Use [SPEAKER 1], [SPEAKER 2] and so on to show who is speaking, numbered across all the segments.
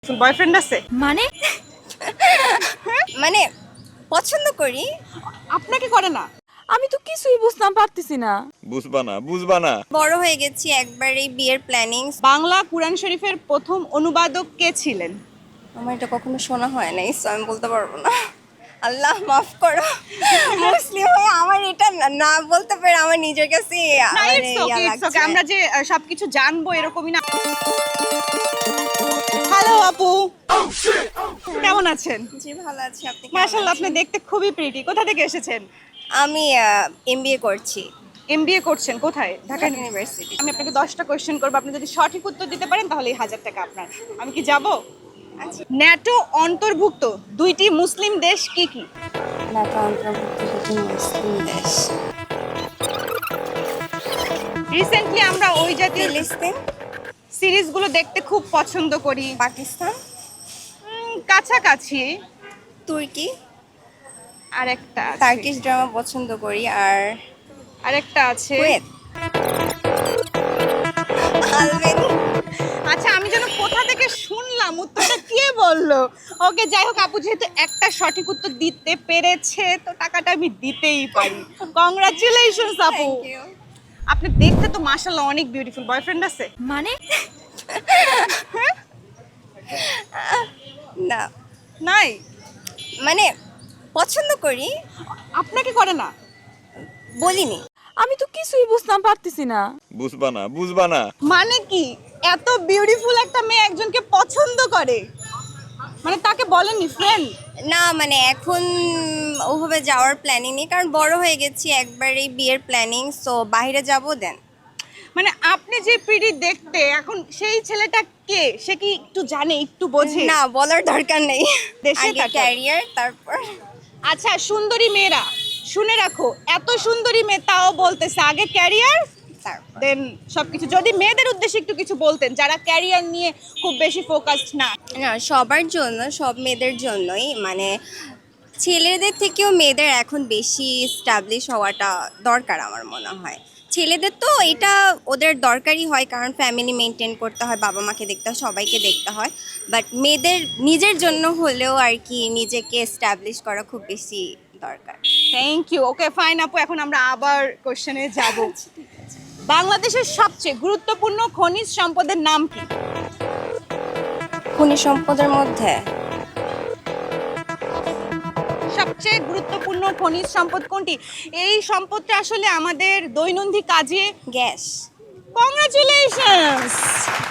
[SPEAKER 1] Boyfriend আছে?
[SPEAKER 2] মানে
[SPEAKER 3] মানে পছন্দ করি।
[SPEAKER 1] আপনাকে করে না?
[SPEAKER 2] আমি তো কিছুই বুঝতাম পারতেছি না।
[SPEAKER 4] বুঝবা না
[SPEAKER 3] বড় হয়ে গেছি, একবারেই বিয়ের প্ল্যানিং।
[SPEAKER 1] বাংলা কুরআন শরীফের প্রথম অনুবাদক কে ছিলেন?
[SPEAKER 3] আমার এটা কখনো শোনা হয় নাই, so আমি বলতে পারবো না। আল্লাহ মাফ করো, মুসলিম হয়ে আমার এটা না বলতে পারে আমার নিজের কাছে
[SPEAKER 1] না,
[SPEAKER 3] মানে
[SPEAKER 1] it's
[SPEAKER 3] ইয়া
[SPEAKER 1] okay, it's
[SPEAKER 3] লাগছে।
[SPEAKER 1] okay, আমরা যে সবকিছু জানবো এরকমই না। হ্যালো আপু, কেমন আছেন?
[SPEAKER 3] জি ভালো আছি, আপনি কেমন
[SPEAKER 1] মাশাআল্লাহ, আপনি
[SPEAKER 3] আছেন?
[SPEAKER 1] দেখতে খুবই প্রিটি। কোথা থেকে এসেছেন?
[SPEAKER 3] আমি এমবিএ করছি
[SPEAKER 1] এমবিএ করছেন কোথায়? ঢাকা
[SPEAKER 3] ঢাকা ইউনিভার্সিটি।
[SPEAKER 1] আমি আপনাকে 10টা কোশ্চেন করবো, আপনি যদি সঠিক উত্তর দিতে পারেন তাহলে এই 1000 টাকা আপনার। আমি কি যাব?
[SPEAKER 3] আচ্ছা,
[SPEAKER 1] ন্যাটো অন্তর্ভুক্ত দুইটি মুসলিম দেশ কি কি?
[SPEAKER 3] ঢাকা অন্তর্ভুক্ত দুটি মুসলিম দেশ।
[SPEAKER 1] রিসেন্টলি আমরা ওই জাতীয়
[SPEAKER 3] ফিলিস্তিন,
[SPEAKER 1] সিরিজগুলো দেখতে খুব পছন্দ করি।
[SPEAKER 3] পাকিস্তান,
[SPEAKER 1] কাছাকাছি
[SPEAKER 3] তুর্কি,
[SPEAKER 1] আরেকটা আছে।
[SPEAKER 3] টার্কিশ ড্রামা পছন্দ করি, আর
[SPEAKER 1] আরেকটা আছে।
[SPEAKER 3] Kuwait, Albany.
[SPEAKER 1] আচ্ছা, আমি যেন কোথা থেকে শুনলাম, উত্তরটা কে বললো? ওকে, যাই হোক, আপু যেহেতু একটা সঠিক উত্তর দিতে পেরেছে তো টাকাটা আমি দিতেই পারি। কংগ্রাচুলেশনস আপু।
[SPEAKER 3] Thank you.
[SPEAKER 1] আপনি দেখতে তো মাশাআল্লাহ অনেক বিউটিফুল। বয়ফ্রেন্ড আছে?
[SPEAKER 2] মানে
[SPEAKER 3] না,
[SPEAKER 1] নাই?
[SPEAKER 3] মানে পছন্দ করি,
[SPEAKER 1] আপনাকে করে না?
[SPEAKER 3] বলিনি।
[SPEAKER 2] আমি তো কিছুই বুঝতাম পারতেছি না।
[SPEAKER 4] বুঝবা না
[SPEAKER 1] মানে কি, এত বিউটিফুল একটা মেয়ে একজনকে পছন্দ করে, মানে তাকে বলেননি ফ্রেন্ড?
[SPEAKER 3] না মানে এখন ওভাবে যাওয়ার প্ল্যানিং নেই, কারণ বড় হয়ে গেছি, একবারেই বিয়ের প্ল্যানিং, সো বাইরে যাব দেন।
[SPEAKER 1] মানে আপনি যে পিডি দেখতে, এখন সেই ছেলেটা কে, সে কি একটু জানে, একটু বোঝে?
[SPEAKER 3] না, বলার দরকার নেই।
[SPEAKER 1] দেশে
[SPEAKER 3] আগে
[SPEAKER 1] থাকো।
[SPEAKER 3] ক্যারিয়ার, তারপর
[SPEAKER 1] আচ্ছা, সুন্দরী মেয়েরা শুনে রাখো, এত সুন্দরী মেয়ে তাও বলতেছে আগে ক্যারিয়ার
[SPEAKER 3] তারপর
[SPEAKER 1] দেন সবকিছু। যদি মেয়েদের উদ্দেশ্যে একটু কিছু বলতেন যারা ক্যারিয়ার নিয়ে খুব বেশি ফোকাসড না।
[SPEAKER 3] না, সবার জন্য, সব মেয়েদের জন্যই, মানে ছেলেদের থেকেও মেয়েদের এখন বেশি স্টাবলিশ হওয়াটা দরকার আমার মনে হয়। ছেলেদের তো এটা ওদের দরকারই হয়, কারণ ফ্যামিলি মেনটেন করতে হয়, বাবা মাকে দেখতে হয়, সবাইকে দেখতে হয়। বাট মেয়েদের নিজের জন্য হলেও আর কি নিজেকে স্টাবলিশ করা খুব বেশি দরকার।
[SPEAKER 1] Thank you. ওকে ফাইন আপু, এখন আমরা আবার কোশ্চেনে যাব। বাংলাদেশের সবচেয়ে গুরুত্বপূর্ণ খনিজ সম্পদের নাম কি?
[SPEAKER 3] খনিজ সম্পদের মধ্যে
[SPEAKER 1] সবচেয়ে গুরুত্বপূর্ণ খনিজ সম্পদ কোনটি? এই সম্পদটা আসলে আমাদের দৈনন্দিন কাজে।
[SPEAKER 3] গ্যাস।
[SPEAKER 1] কংগ্রাচুলেশনস।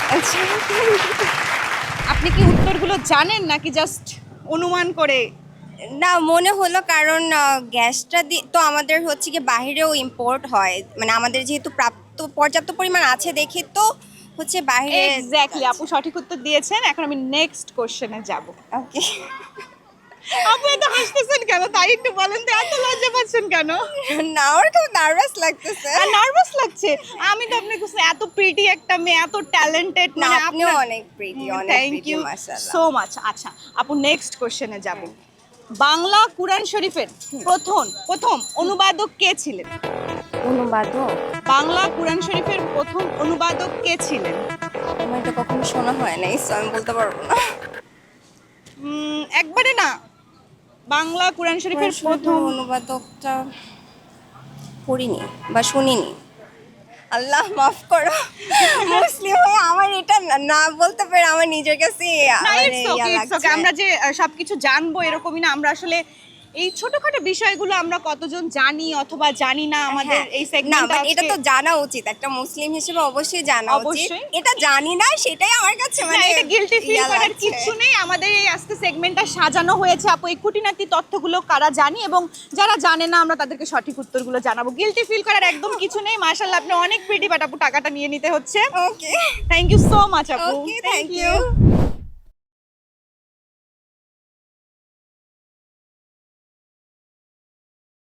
[SPEAKER 1] আপনি কি উত্তরগুলো জানেন নাকি জাস্ট অনুমান করে?
[SPEAKER 3] না, মনে হলো, কারণ গ্যাসটা তো আমাদের হচ্ছে কি বাইরেও ইম্পোর্ট হয়, মানে আমাদের যেহেতু পর্যাপ্ত পরিমাণ আছে দেখে তো হচ্ছে বাইরে।
[SPEAKER 1] এক্স্যাক্টলি, আপু সঠিক উত্তর দিয়েছেন। এখন আমি নেক্সট কোশ্চেনে যাব।
[SPEAKER 3] ওকে।
[SPEAKER 1] আপু এত হাসতেছেন কেন? তাই একটু বলেন তো, এত লজ্জা পাচ্ছেন কেন?
[SPEAKER 3] না, আমার খুব নার্ভাস লাগতেছে।
[SPEAKER 1] নার্ভাস লাগছে? আমি তো আপনাকে এত প্রিটি একটা মেয়ে, এত ট্যালেন্টেড,
[SPEAKER 3] না,
[SPEAKER 1] মানে
[SPEAKER 3] আপনিও অনেক প্রিটি, অনেক
[SPEAKER 1] থ্যাংক
[SPEAKER 3] প্রিটি,
[SPEAKER 1] ইউ
[SPEAKER 3] মাশাআল্লাহ।
[SPEAKER 1] So much. আচ্ছা আপু, নেক্সট কোশ্চেনে যাব। বাংলা কুরআন শরীফের প্রথম অনুবাদক কে ছিলেন?
[SPEAKER 3] অনুবাদক?
[SPEAKER 1] বাংলা কুরআন শরীফের প্রথম অনুবাদক কে ছিলেন?
[SPEAKER 3] আমার এটা কখনো শোনা হয় নাই, so আমি বলতে পারবো না।
[SPEAKER 1] একবারে না, বাংলা কুরআন শরীফের প্রথম
[SPEAKER 3] অনুবাদকটা পড়িনি বা শুনিনি। আল্লাহ মাফ করো, মুসলিম হয়ে আমার এটা না বলতে পারে আমার নিজের কাছে
[SPEAKER 1] না,
[SPEAKER 3] মানে
[SPEAKER 1] it's
[SPEAKER 3] ইয়া
[SPEAKER 1] okay, it's
[SPEAKER 3] লাগছে।
[SPEAKER 1] okay, আমরা যে সবকিছু জানবো এরকমই না। আমরা আসলে এই ছোটখাটো বিষয়গুলো আমরা কতজন জানি অথবা জানি না, আমাদের
[SPEAKER 3] হ্যাঁ।
[SPEAKER 1] এই
[SPEAKER 3] না,
[SPEAKER 1] সেগমেন্টটা
[SPEAKER 3] বাট এটা তো জানা উচিত, একটা মুসলিম হিসেবে অবশ্যই জানা উচিত।
[SPEAKER 1] অবশ্যই।
[SPEAKER 3] এটা জানি না, সেটাই আমার কাছে
[SPEAKER 1] না,
[SPEAKER 3] মানে
[SPEAKER 1] এটা গিলটি ফিল
[SPEAKER 3] ইয়া
[SPEAKER 1] করার
[SPEAKER 3] লাগছে।
[SPEAKER 1] কিছু নেই। আমাদের এই আজকে সেগমেন্টটা সাজানো হয়েছে আপু এই খুঁটিনাটি তথ্যগুলো কারা জানি এবং যারা জানে না আমরা তাদেরকে সঠিক উত্তরগুলো জানাবো। গিলটি ফিল করার একদম কিছু নেই। মাশাআল্লাহ, আপনি অনেক প্রিটি, বাট আপু টাকাটা নিয়ে নিতে হচ্ছে।
[SPEAKER 3] Okay,
[SPEAKER 1] thank you so much আপু।
[SPEAKER 3] Okay, thank you.